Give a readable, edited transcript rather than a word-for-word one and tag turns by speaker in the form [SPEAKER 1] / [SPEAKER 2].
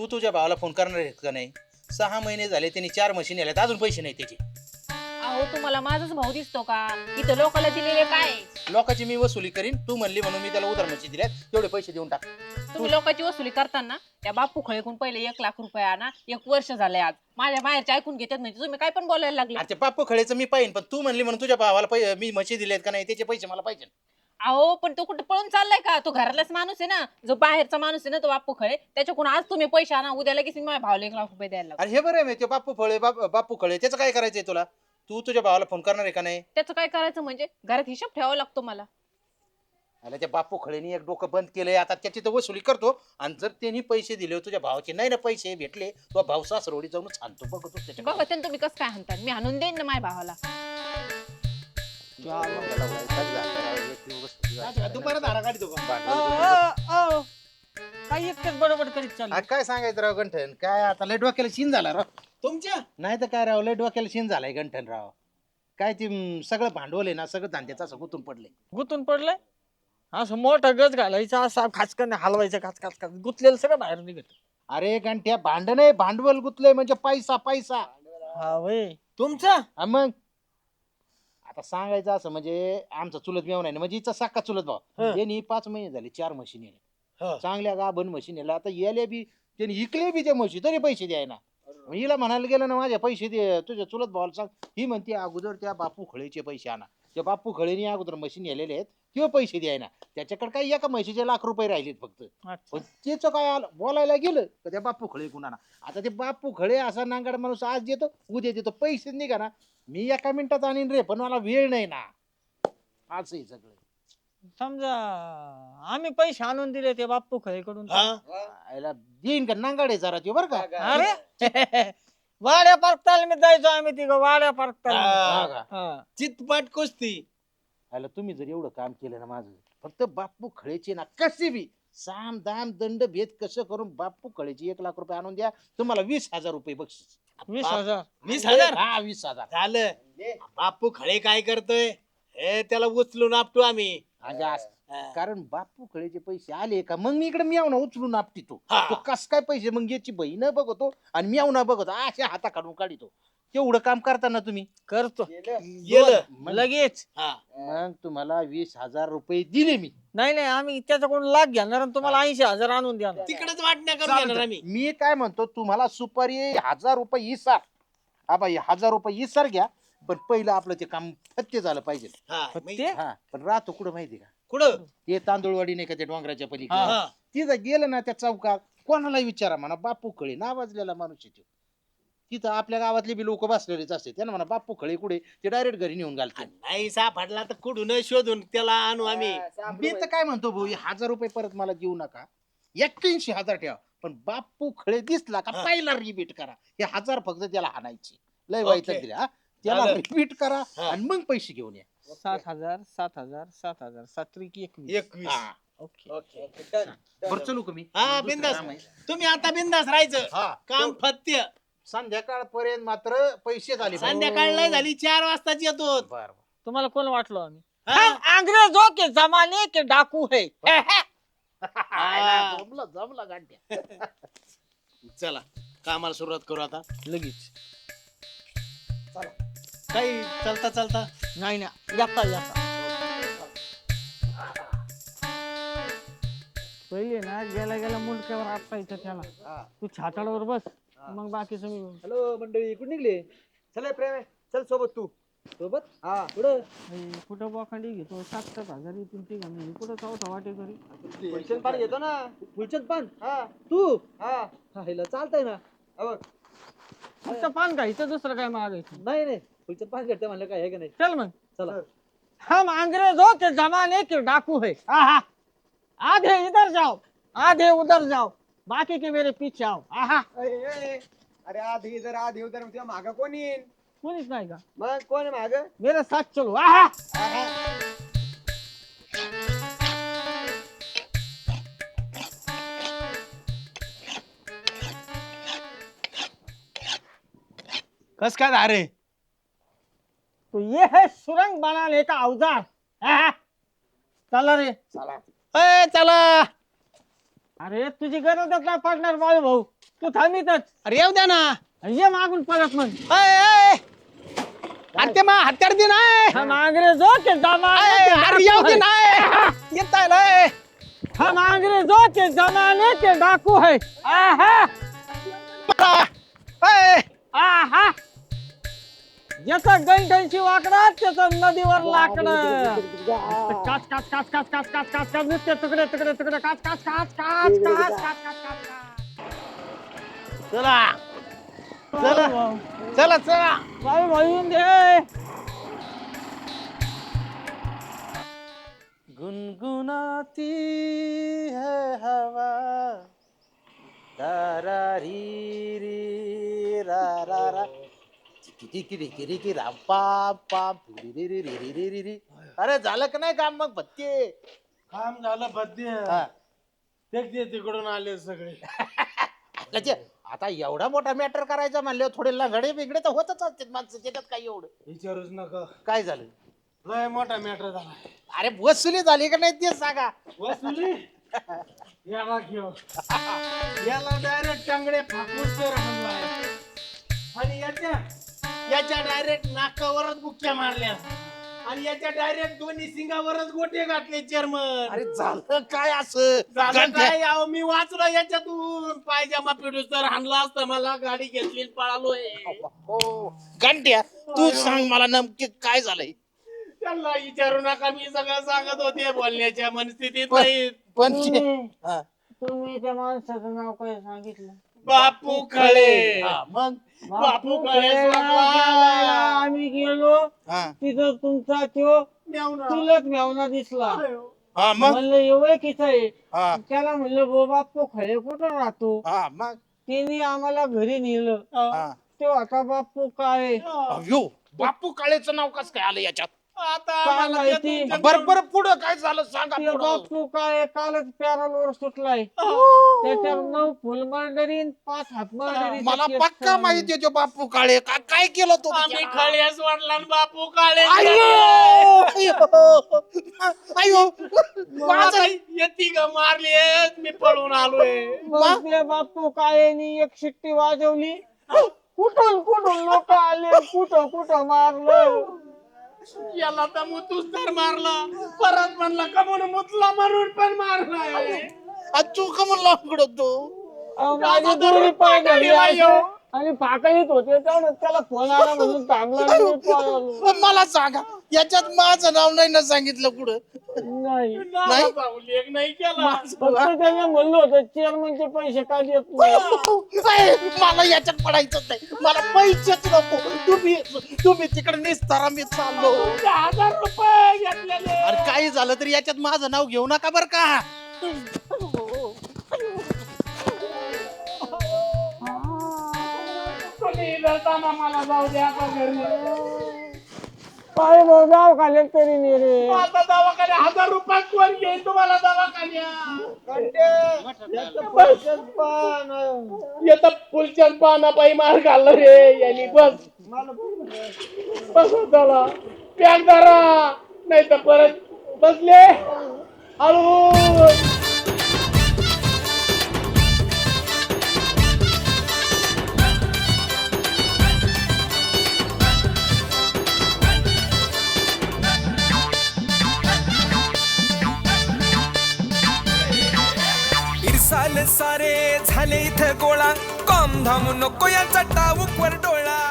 [SPEAKER 1] तू तुझ्या भावाला फोन करणार आहेस का नाही? 6 महिने झाले, त्यांनी 4 मशीन आल्यात, अजून पैसे नाही त्याचे.
[SPEAKER 2] अहो तुम्हाला माझाच भाऊ दिसतो का? इथं लोकांना दिलेले काय?
[SPEAKER 1] लोकांची मी वसुली करीन, तू म्हणली म्हणून मी त्याला उधार मशीन दिल्यात, तेवढे पैसे देऊन टाक.
[SPEAKER 2] तुम्ही लोकांची वसुली करताना त्या बापू खळेकून पहिले 1,00,000 आणा. 1 वर्ष झालंय आज. माझ्या बाहेरचे ऐकून घेतात म्हणजे तुम्ही काय पण बोलायला लागले.
[SPEAKER 1] अरे बाप्पू खळेचं मी पाहिन, पण तू म्हणली म्हणून तुझ्या भावाला मी म्हशी दिलेत का नाही, त्याचे पैसे मला पाहिजे.
[SPEAKER 2] अहो पण तो कुठे पळून चाललाय का? तो घरातलाच माणूस आहे ना. जो बाहेरचा माणूस आहे ना तो बापू खळे, त्याच्याकडून आज तुम्ही पैसे आणा, उद्या लगेच मी माझ्या भावाला 1,00,000 द्यायला लागलो.
[SPEAKER 1] अरे हे बरं आहे, ते बाप्पू खळे त्याचं काय करायचंय तुला? तू तुझ्या भावाला फोन करणार आहे का नाही?
[SPEAKER 2] त्याचं काय करायचं म्हणजे? घरात हिशोब ठेवावा लागतो मला.
[SPEAKER 1] अरे त्या बाप्पू खळेनी एक डोकं बंद केलंय, आता त्याची तर वसुली करतो. आणि जर त्यांनी पैसे दिले तुझ्या भावाचे नाही ना पैसे भेटले, तो भाऊ सासरवडी जाऊन छानतो बघतो त्याच्या.
[SPEAKER 2] बघा त्यानं तुम्ही कसं काय म्हणतात, मी आणून देईन ना माझ्या भावाला.
[SPEAKER 3] दुपारात हारा काढतो का?
[SPEAKER 4] काही एकटेच बरोबर करीत चालू.
[SPEAKER 1] काय सांगायचं राव गंठन, काय आता लय डोक्याला शिन झाला राव.
[SPEAKER 3] तुमच्या
[SPEAKER 1] नाही तर काय राव, लय डोक्याला शिन झालाय गंठन राव. काय ते सगळं भांडवल आहे ना, सगळं धांद्याचं असं गुंतून पडलंय.
[SPEAKER 4] गुतून पडलंय असं मोठा गज घालायचा, असा खाचकन हलवायचं, खाच खाच खाच गुतलेलं सगळं बाहेर निघत.
[SPEAKER 1] अरे गंठ्या, भांडण आहे, भांडवल गुतलंय म्हणजे पैसा पैसा.
[SPEAKER 4] हा वय
[SPEAKER 3] तुमचा
[SPEAKER 1] हा मग आता सांगायचं असं म्हणजे आमचा चुलत मेवणा आहे ना, म्हणजे हिचा साखा चुलत भाऊ.
[SPEAKER 3] हं.
[SPEAKER 1] त्यांनी 5 महिने झाले 4 म्हशी नेले,
[SPEAKER 3] हं.
[SPEAKER 1] चांगल्या गाभण म्हशी नेल्या. आता याले बी त्यांनी इकले बी त्या म्हशी, तरी पैसे द्यायना. हिला म्हणायला गेलं ना, माझ्या पैसे दे, तुझ्या चुलत भावाला सांग. ही म्हणते अगोदर त्या बापू खळेचे पैसे आणा. त्या बापू खळेनी अगोदर म्हशी नेलेले आहेत, किंवा पैसे द्यायना. त्याच्याकडे काही एका म्हशीचे ₹1,00,000 राहिलेत फक्त. पण त्याचं काय आलं बोलायला गेलं तर त्या बापू खळे कुणाला. आता ते बापू खळे असा नांगाड माणूस, आज देतो उद्या देतो, पैसे निघा ना. मी एका मिनिटात आणीन रे, पण मला वेळ नाही ना. असं सगळं.
[SPEAKER 4] समजा आम्ही पैसे आणून दिले ते बाप्पू खळेकडून,
[SPEAKER 1] आयला देईन का नांगाडे जरा ते बरं का.
[SPEAKER 4] अरे वाड्या पार्कताल मी जायचो आम्ही तिघ वाड्या
[SPEAKER 1] हा
[SPEAKER 4] पार्कताल.
[SPEAKER 1] का?
[SPEAKER 3] चितपाट कुस्ती.
[SPEAKER 1] आयला तुम्ही जर एवढं काम केलं ना माझं, फक्त बापू खळेचे ना कसे बी साम दाम दंड भेद कसं करून बापू खळेचे ₹1,00,000 आणून द्या, तुम्हाला ₹20,000 बक्षीस.
[SPEAKER 4] 20,000.
[SPEAKER 3] 20,000
[SPEAKER 1] हा 20,000.
[SPEAKER 3] झालं. बापू खळे काय करतोय हे त्याला उचलून आपटू आम्ही.
[SPEAKER 1] म्हणजे असं. कारण बापू खळेचे पैसे आले का मग मी इकडे मियावना उचलून आपटितो.
[SPEAKER 3] हा.
[SPEAKER 1] तो कस काय पैसे मग याची बहीण बघतो आणि मियावना बघतो, अशा हाता काढून काढितो. तेवढं काम करताना तुम्ही
[SPEAKER 4] करतो
[SPEAKER 3] गेलं.
[SPEAKER 4] लगेच.
[SPEAKER 3] हा.
[SPEAKER 1] मग तुम्हाला ₹20,000 दिले मी.
[SPEAKER 4] नाही नाही आम्ही त्याच्याकडून लाख घेणार आणि तुम्हाला 80,000 आणून द्या.
[SPEAKER 3] तिकडेच वाटण्या करून घेणार
[SPEAKER 1] चालतंय.
[SPEAKER 3] आम्ही.
[SPEAKER 1] मी काय म्हणतो, तुम्हाला सुपारी ₹1,000 इसार. आबा ₹1,000 इसार घ्या, पण पहिलं आपलं ते काम फत्ते झालं पाहिजे.
[SPEAKER 3] हा,
[SPEAKER 4] ते
[SPEAKER 1] हा पण राहतो कुठं माहिती का?
[SPEAKER 3] कुठं?
[SPEAKER 1] ते तांदूळवाडी नाही का, त्या डोंगराच्या पलीकडे.
[SPEAKER 3] हा.
[SPEAKER 1] तिथं गेलं ना त्या चौकात, कोणाला विचारा म्हणा, बापू खळे नावाजलेला माणूस आहे तो. तिथं आपल्या गावातले बी लोक बसलेलेच असते, त्यांना म्हणा बापू खळे कुठे, ते डायरेक्ट घरी नेऊन घालते.
[SPEAKER 3] नाही सापडला तर कुठून शोधून त्याला आणू आम्ही.
[SPEAKER 1] मी तर काय म्हणतो भाऊ, ₹1,000 परत मला देऊ नका, 81,000 ठेवा. पण बापू खळे दिसला का
[SPEAKER 3] हा.
[SPEAKER 1] पहिला रिपीट करा. हे 1,000 फक्त त्याला हाणायचे, लय वाईट
[SPEAKER 3] ओके.
[SPEAKER 1] दिले. हा त्याला
[SPEAKER 3] चालेल.
[SPEAKER 1] रिपीट करा
[SPEAKER 3] हा.
[SPEAKER 1] आणि मग पैसे घेऊन या.
[SPEAKER 4] 7,000 7,000 7,000 7,21.
[SPEAKER 3] 21.
[SPEAKER 1] हा.
[SPEAKER 4] ओके.
[SPEAKER 3] ओके.
[SPEAKER 1] बरं चलू का मी?
[SPEAKER 3] हा
[SPEAKER 1] दुसरं
[SPEAKER 3] बिंदास.
[SPEAKER 1] काम आहे.
[SPEAKER 3] तुम्ही आता बिंदास राहायचं.
[SPEAKER 1] हा
[SPEAKER 3] काम फत्य.
[SPEAKER 1] संध्याकाळपर्यंत मात्र पैसे झाले.
[SPEAKER 3] संध्याकाळ नाही झाली 4 वाजताच येतो.
[SPEAKER 1] बर
[SPEAKER 4] तुम्हाला कोण वाटलो आम्ही?
[SPEAKER 3] हा.
[SPEAKER 4] हम अंग्रेजों के जमाने के डाकू है.
[SPEAKER 1] जमलं जमलं गांड्या.
[SPEAKER 3] चला कामाला सुरुवात करू आता.
[SPEAKER 4] लगेच.
[SPEAKER 3] काही चालता चालता
[SPEAKER 4] नाही ना येता येता पहिले ना गेला गेला मुंडक्यावर आपटायचं त्याला. तू छाताडावर बस, मग बाकीचं मी.
[SPEAKER 5] हॅलो मंडळी, कुठे निघले? चल प्रेम आहे, चल सोबत तू. सोबत? हा कुठं?
[SPEAKER 4] कुठं बोखांडी घेतो 7,000 येतील ते घालून कुठं चौथा वाटे घरी.
[SPEAKER 5] फुलचंद पान घेतो ना. फुलचंद पान? हा तू? हा हिला चालतंय ना. बघ
[SPEAKER 4] फक्त पान घ्यायचं, दुसरं काय मागायचं
[SPEAKER 5] नाही नाही, फुलचंद पान घेतलं म्हणलं काय आहे का नाही.
[SPEAKER 4] चल मग.
[SPEAKER 5] चला.
[SPEAKER 4] हम अंग्रेजों के जमाने के डाकू है. आहा आधे इधर जाओ आधे उधर जाओ, बाकी के मेरे पीछे आओ. आहा
[SPEAKER 5] अरे आधी जर आधी उधर तुझ्या माग कोण येईल?
[SPEAKER 4] कोणीच नाही का?
[SPEAKER 5] मग कोण माग?
[SPEAKER 4] मेरे साथ चलो. आहा
[SPEAKER 3] कस काय धारे?
[SPEAKER 4] तो ये है सुरंग बनाने का औजार. आहा चला रे.
[SPEAKER 3] चला
[SPEAKER 4] अरे तुझी गरजच नाही पडणार बाळू भाऊ. तू थांबितच
[SPEAKER 3] अरे येऊ द्या ना.
[SPEAKER 4] ये मागून परत मग
[SPEAKER 3] अरे ते मग हत्यार दे नाही.
[SPEAKER 4] हम अंग्रेजों के जमाने के
[SPEAKER 3] अरे येऊ दे
[SPEAKER 4] डाकू
[SPEAKER 3] नाही. येत आहे.
[SPEAKER 4] हम अंग्रेजों के जमाने के डाकू है आहा आहा ज्याचं गंठनशी वाकडं त्याचं नदीवर लाकडं काच काच काच काच काच काच काच काच नुसते तुकडे तुकडे तुकडे काच काच काच काच काच काच काच काच
[SPEAKER 3] चला चला चला चला.
[SPEAKER 4] भाई भाई दे
[SPEAKER 1] गुनगुनाती है हवा रा री री रा रा रा किरी राम पाम पाम री री री री री री री. अरे झालं का नाही काम मग भत्ते?
[SPEAKER 3] काम झालं बद्दे.
[SPEAKER 1] हा.
[SPEAKER 3] ते तिकडून आले सगळे.
[SPEAKER 1] त्याचे आता एवढा मोठा मॅटर करायचा म्हणल्यावर थोडे लंगडे बिगडे तर होतच असतात माणसं, त्याच्यात काय एवढं.
[SPEAKER 3] विचारूच नका.
[SPEAKER 1] काय झालं?
[SPEAKER 3] लय मोठा मॅटर झाला.
[SPEAKER 1] अरे वसुली झाली का नाही ते सांगा.
[SPEAKER 3] वसुली याला घेऊ. याला डायरेक्ट टांगडे फाकून तर हाणलाय. आणि याच्या डायरेक्ट नाकावरच बुक्क्या मारल्या. आणि याच्या डायरेक्ट दोन्ही सिंगावरच गोटे घातले चेअरमन.
[SPEAKER 1] अरे झालं काय असं?
[SPEAKER 3] झालं काय अहो, मी वाचलो याच्यातून. पायजामा पिडूस तर हाणला असता मला. गाडी घेतली पळालोय.
[SPEAKER 1] हो घंट्या तू सांग मला नमकी काय झालंय?
[SPEAKER 3] त्यांना विचारू नका, मी सगळं सांगत होते. बोलण्याच्या मनस्थितीत नाही.
[SPEAKER 1] पण हा.
[SPEAKER 4] तुम्ही त्या माणसाचं नाव काय सांगितलं?
[SPEAKER 3] बापू खळे.
[SPEAKER 1] हा, मग
[SPEAKER 3] बापू खळे
[SPEAKER 4] आम्ही गेलो
[SPEAKER 1] हा
[SPEAKER 4] तिथं तुमचा तो चुलत मेवना दिसला.
[SPEAKER 1] हा मग
[SPEAKER 4] म्हणलं एवढं किती आहे?
[SPEAKER 1] हा
[SPEAKER 4] त्याला म्हणलं बो बापू खळे कुठं राहतो?
[SPEAKER 1] हा मग
[SPEAKER 4] तिने आम्हाला घरी नेलं.
[SPEAKER 1] हा.
[SPEAKER 4] तो आता बापू काय
[SPEAKER 1] अयो बापू काळेचं नाव कसं काय आलं याच्यात?
[SPEAKER 3] आता
[SPEAKER 4] काय
[SPEAKER 3] आम्हाला
[SPEAKER 4] माहिती?
[SPEAKER 3] ते तुमच्या
[SPEAKER 1] बरं बरं पुढं काय झालं सांगा
[SPEAKER 4] ते
[SPEAKER 1] पुढं.
[SPEAKER 4] बापू काय कालच पॅरलवर सुटलाय. त्याच्यावर 9 फुल मर्डरीन 5 हात मर्डरी.
[SPEAKER 1] मला पक्का माहिती आहे तो बापू काळे काय केलं तो
[SPEAKER 3] आम्ही खळ्यास वाढला आणि बापू काळे.
[SPEAKER 1] अयो
[SPEAKER 3] माझा येती ग मारली. मी पळून आलोय.
[SPEAKER 4] मग त्या बापू काळेनी एक शिट्टी वाजवली. कुठून कुठून लोक आले, कुठं कुठं मारलं.
[SPEAKER 3] याला तर मुतूस तर मारला. परत म्हणला का म्हणून मुतला म्हणून पण मारलाय.
[SPEAKER 1] तू का म्हणला तो
[SPEAKER 4] माझी दोरी पाय घरी आणि फाकळीत होते तेवढं त्याला फोन आला म्हणून थांबला आणि मी पळालो.
[SPEAKER 1] मला सांगा याच्यात माझं नाव नाही ना सांगितलं कुठं?
[SPEAKER 4] नाही
[SPEAKER 3] लेख नाही केला.
[SPEAKER 4] फक्त त्याने म्हणलं होतं चेअरमनचे पैसे का देत नाही.
[SPEAKER 1] मला याच्यात पडायचं नाही. मला पैसेच नको. तुम्ही तिकडे निस्तारा मी चाललो.
[SPEAKER 3] 1000 रुपये घेतलेले.
[SPEAKER 1] अरे काही झालं तरी याच्यात माझं नाव घेऊ नका बर का.
[SPEAKER 3] तुम्ही जाताना मला जाऊ द्या का घरी.
[SPEAKER 4] पाय गाव खाले तरी नाही रे.
[SPEAKER 3] आता दवाखान्या 1000 रुपयात कोण घेईल तुम्हाला दवाखान्या? येत फुलचंद पाना पायी मार घालला रे यांनी. बस बस झाला. पॅक धरा नाही तर परत बसले हळू.
[SPEAKER 6] इरसाल सारे झाले इथं गोळा. कॉम धाम नको याचा टाऊक वर डोळा.